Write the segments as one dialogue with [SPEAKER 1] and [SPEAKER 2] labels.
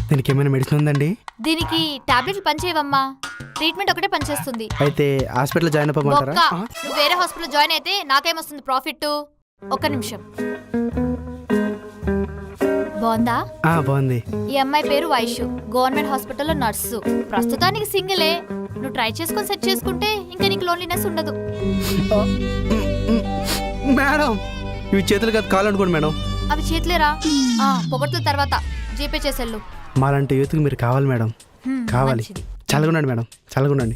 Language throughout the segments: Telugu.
[SPEAKER 1] దీనికి ఏమైనా మెడిసిన్ ఉందండి?
[SPEAKER 2] దీనికి టాబ్లెట్లు పనిచేయవమ్మా, ట్రీట్మెంట్ ఒకటే పనిచేస్తుంది.
[SPEAKER 1] అయితే హాస్పిటల్ జాయిన్ అవ్వమంటారా?
[SPEAKER 2] నువ్వు వేరే హాస్పిటల్ జాయిన్ అయితే నాకేమొస్తుంది ప్రాఫిట్? ఒక్క నిమిషం. బాగుందా?
[SPEAKER 1] బాగుంది.
[SPEAKER 2] ఈ అమ్మాయి పేరు వైషు, గవర్నమెంట్ హాస్పిటల్లో నర్సు. ప్రస్తుతానికి సింగిలే. నువ్వు ట్రై చేసుకొని సెట్ చేసుకుంటే ఇంకా నీకు లోన్లీనెస్ ఉండదు.
[SPEAKER 1] మేడం ఇవి చేతులు కాదు కాలు అనుకోండి మేడం.
[SPEAKER 2] అవి చేతులేరా? పొగట్ల తర్వాత జీపే చేసేళ్ళు.
[SPEAKER 1] మాలాంటి యూత్కి మీరు కావాలి మేడం, కావాలి. చల్లగుండండి మేడం, చల్లగుండండి.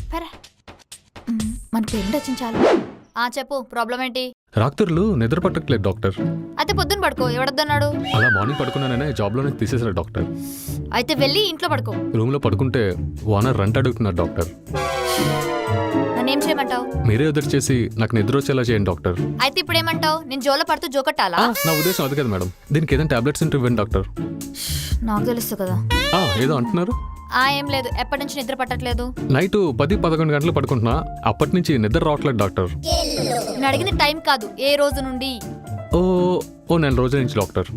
[SPEAKER 2] మన పేరెంట్ వచ్చింది చాలు. చెప్పు, ప్రాబ్లం ఏంటి?
[SPEAKER 3] రాత్రులు నిద్ర పట్టట్లేదు డాక్టర్.
[SPEAKER 2] అయితే పొద్దున్న పడుకో, ఎవడొద్దన్నాడు?
[SPEAKER 3] అలా మార్నింగ్ పడుకున్నాననే జాబ్లోనే తీసేశారు డాక్టర్.
[SPEAKER 2] అయితే వెళ్ళి ఇంట్లో పడుకో.
[SPEAKER 3] రూమ్లో పడుకుంటే ఓనర్ రెంట్ అడుగుతున్నారు డాక్టర్.
[SPEAKER 2] నన్నేం చేయమంటావు?
[SPEAKER 3] మీరే ఎదురు చేసి నాకు నిద్ర వచ్చేలా చేయండి డాక్టర్.
[SPEAKER 2] అయితే ఇప్పుడు ఏమంటావు? నేను జోలో పడుతూ జోకట్టాలా?
[SPEAKER 3] నా ఉద్దేశం అది కదా మేడం. దీనికి ఏదైనా టాబ్లెట్స్ ఉంటే ఇవ్వండి డాక్టర్.
[SPEAKER 2] నాకు తెలుసు కదా.
[SPEAKER 3] ఏదో అంటున్నారు?
[SPEAKER 2] ఏం లేదు, ఎప్పటి నుంచి నిద్ర పట్టట్లేదు.
[SPEAKER 3] నైట్ 10-11 గంటలు పడుకుంటున్నా, అప్పటి నుంచి నిద్ర రావట్లేదు డాక్టర్.
[SPEAKER 2] నేను అడిగింది టైం కాదు, ఏ రోజు నుండి?
[SPEAKER 3] ఓ నెల రోజుల నుంచి డాక్టర్.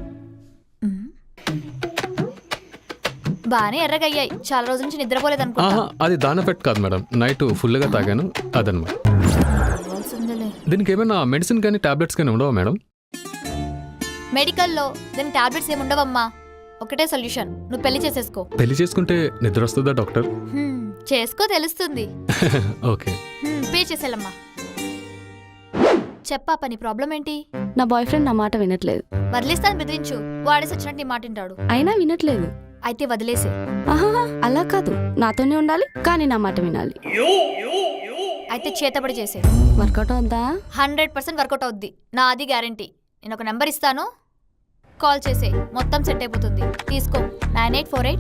[SPEAKER 2] బానే ఎర్రగయ్యాయి, చాలా రోజుల నుంచి నిద్రపోలేదు అనుకుంటా.
[SPEAKER 3] అది దాని ఎఫెక్ట్ కాదు మేడం, నైట్ ఫుల్గా తాగాను అదనమాట. దీనికి ఏమైనా మెడిసిన్ కానీ టాబ్లెట్స్ కానీ ఉండవా మేడం?
[SPEAKER 2] మెడికల్లో దీనికి టాబ్లెట్స్ ఏమి ఉండవమ్మా, ఒకటే సొల్యూషన్, నువ్వు పెళ్లి చేసేసుకో.
[SPEAKER 3] పెళ్లి చేసుకుంటే నిద్ర వస్తుందా డాక్టర్?
[SPEAKER 2] చేసుకో, తెలుస్తుంది.
[SPEAKER 3] ఓకే,
[SPEAKER 2] పే చేసేలమ్మా. చెప్పా, పని ప్రాబ్లం ఏంటి?
[SPEAKER 4] నా బాయ్ ఫ్రెండ్ నా మాట వినట్లేదు.
[SPEAKER 2] వదిలేస్తాను బెదిరించు, వాడేసి వచ్చినట్టు నీ మాట వింటాడు.
[SPEAKER 4] అయినా వినట్లేదు.
[SPEAKER 2] అయితే వదిలేసే.
[SPEAKER 4] అలా కాదు, నాతోనే ఉండాలి కానీ నా మాట వినాలి.
[SPEAKER 2] అయితే చేతబడి చేసే.
[SPEAKER 4] వర్కౌట్ అవుద్దా?
[SPEAKER 2] 100% వర్కౌట్ అవుద్ది, నా అది గ్యారంటీ. నేను ఒక నెంబర్ ఇస్తాను, కాల్ చేసే, మొత్తం సెట్ అయిపోతుంది. తీసుకో, 9848.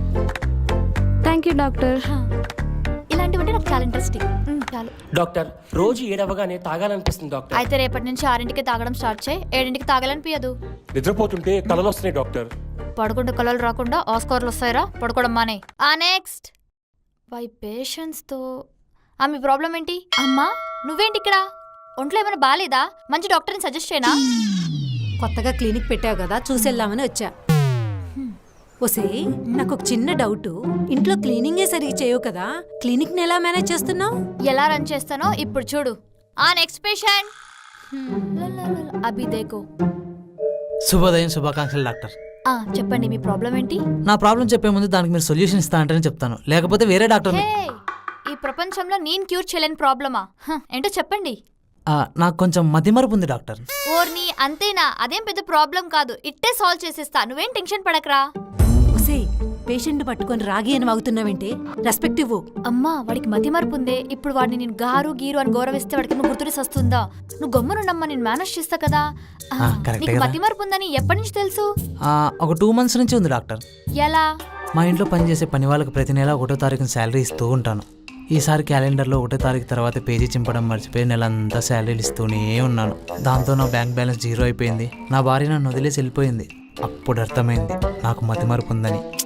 [SPEAKER 4] Thank you doctor.
[SPEAKER 2] ఇలాంటివంటే నాకు చాలా ఇంట్రెస్టింగ్. చాలు
[SPEAKER 5] డాక్టర్, రోజు 7 అవ్వగానే తాగాలనిపిస్తుంది డాక్టర్.
[SPEAKER 2] అయితే రేపటి నుంచి 6ంటికి తాగడం స్టార్ట్ చేయి, 7ంటికి తాగాలనిపించదు.
[SPEAKER 5] నిద్రపోతుంటే కలలు వస్తున్నాయి డాక్టర్.
[SPEAKER 2] పడుకుంటే కలలు రాకుండా ఆస్కార్లు వస్తాయిరా, పడుకోవడం మానే. నెక్స్ట్ బై పేషెన్స్తో. మీ ప్రాబ్లం ఏంటి? అమ్మా నువ్వేంటి ఇక్కడ? ఒంట్లో ఏమైనా బాగాలేదా? మంచి డాక్టర్ని సజెస్ట్ చేయనా?
[SPEAKER 6] కొత్తగా క్లినిక్ పెట్టావు కదా, చూసెళ్దామని వచ్చా. ఒసే, నాకు ఒక చిన్న డౌట్. ఇంట్లో క్లీనింగే సరిగ్గా చేయవు కదా, క్లినిక్ ని ఎలా మేనేజ్ చేస్తున్నావు?
[SPEAKER 2] ఎలా రన్ చేస్తానో ఇప్పుడు చూడు. Next patient. అభి దేకో.
[SPEAKER 7] శుభోదయం, శుభాకాంక్షలు డాక్టర్.
[SPEAKER 2] చెప్పండి, మీ ప్రాబ్లం ఏంటి?
[SPEAKER 7] నా ప్రాబ్లం చెప్పే ముందు దానికి మీరు సొల్యూషన్ ఇస్తా అంటేనే చెప్తాను, లేకపోతే వేరే డాక్టర్.
[SPEAKER 2] ఈ ప్రపంచంలో నేను క్యూర్ చేయలేని ప్రాబ్లమా? ఏంటో చెప్పండి.
[SPEAKER 7] నాకు కొంచెం మతిమరుపు ఉంది డాక్టర్.
[SPEAKER 2] ఓర్ని, అంతేనా? అదేం పెద్ద ప్రాబ్లం కాదు, ఇట్టే సాల్వ్ చేసేస్తా, నువ్వేం టెన్షన్ పడకరా.
[SPEAKER 6] ఒసే, పేషెంట్ పట్టుకొని రాగి అని వాగుతున్నావేంటే? రెస్పెక్ట్ ఇవ్వు.
[SPEAKER 2] అమ్మా, వాడికి మతి మార్పు ఉందే. ఇప్పుడు వాడిని నేను గారు గీరు అని గౌరవిస్తే వాడికి నువ్వు గుర్తులేసి వస్తుందా? నువ్వు గమ్మునుండమ్మా, నేను మేనేజ్ చేస్తా కదా. నీకు మతి మార్పు ఉందని ఎప్పటి నుంచి తెలుసు?
[SPEAKER 7] ఒక 2 months నుంచి ఉంది డాక్టర్.
[SPEAKER 2] ఎలా?
[SPEAKER 7] మా ఇంట్లో పనిచేసే పని వాళ్ళకి ప్రతి నెల 1వ తారీఖున శాలరీ ఇస్తూ ఉంటాను. ఈసారి క్యాలెండర్లో 1వ తారీఖు తర్వాత పేజీ చింపడం మర్చిపోయి నెలంతా శాలరీలు ఇస్తూనే ఉన్నాను. దాంతో నా బ్యాంక్ బ్యాలెన్స్ 0 అయిపోయింది. నా భార్య నన్ను వదిలేసి వెళ్ళిపోయింది. అప్పుడు అర్థమైంది నాకు మతిమరుపు ఉందని.